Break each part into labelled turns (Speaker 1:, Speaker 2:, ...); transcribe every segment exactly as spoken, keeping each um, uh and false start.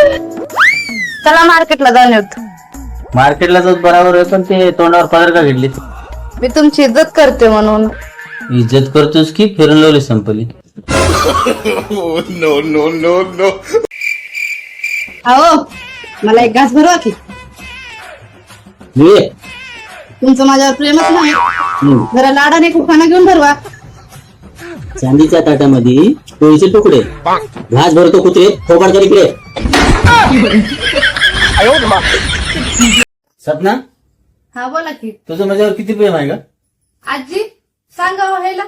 Speaker 1: चला मार्केटला जाऊन येतो.
Speaker 2: मार्केटला जात बरोबर आहे, पण ते तोंडावर पदर का घेतली?
Speaker 1: मी तुमची इज्जत करते म्हणून.
Speaker 2: इज्जत करतोस की फिरून लावली संपली?
Speaker 3: No no no no.
Speaker 1: अहो मला एक घास भरवा की.
Speaker 2: ये.
Speaker 1: तुमचं माझ्यावर प्रेमच नाही. जरा लाडाने कुखाना घेऊन भरवा.
Speaker 2: चांदीच्या ताटामध्ये पोळीचे तुकडे, घास भरतो कुत्रे, फोकाड कर इकडे. सपना,
Speaker 1: हा बोला की.
Speaker 2: तुझं माझ्यावर किती प्रेम आहे का?
Speaker 1: आजी सांगा व्हायला.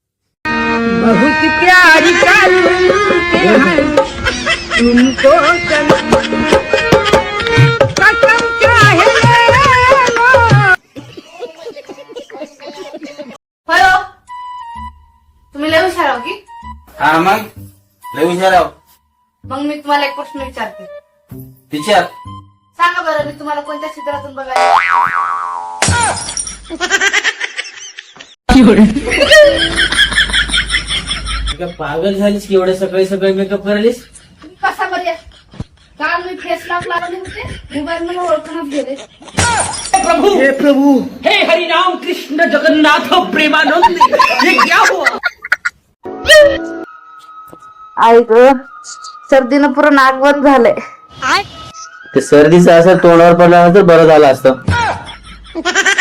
Speaker 1: तुम्ही लय हुशार आहो की.
Speaker 2: हा मग लय हुशार आहो.
Speaker 1: मग मी तुम्हाला एक प्रश्न विचारते.
Speaker 2: विचार.
Speaker 1: सांगा बरं, मी तुम्हाला कोणत्या चित्रातून बघायला?
Speaker 2: पागल झालीस की एवढ्या सकाळी सकाळी मेकअप करायलीस?
Speaker 1: कसा बरं काल मी फेस लॉक लावले होते, मोबाईल मला ओळखूनच गेले.
Speaker 4: प्रभु हे प्रभु हे हरि राम कृष्ण जगन्नाथ प्रेमानंद, ये क्या हुआ?
Speaker 1: आई ग, सर्दीनं पुरं नाक बंद झालंय.
Speaker 2: ते सर्दीचं असं तोंडावर पडल्यानंतर बरं झालं असतं.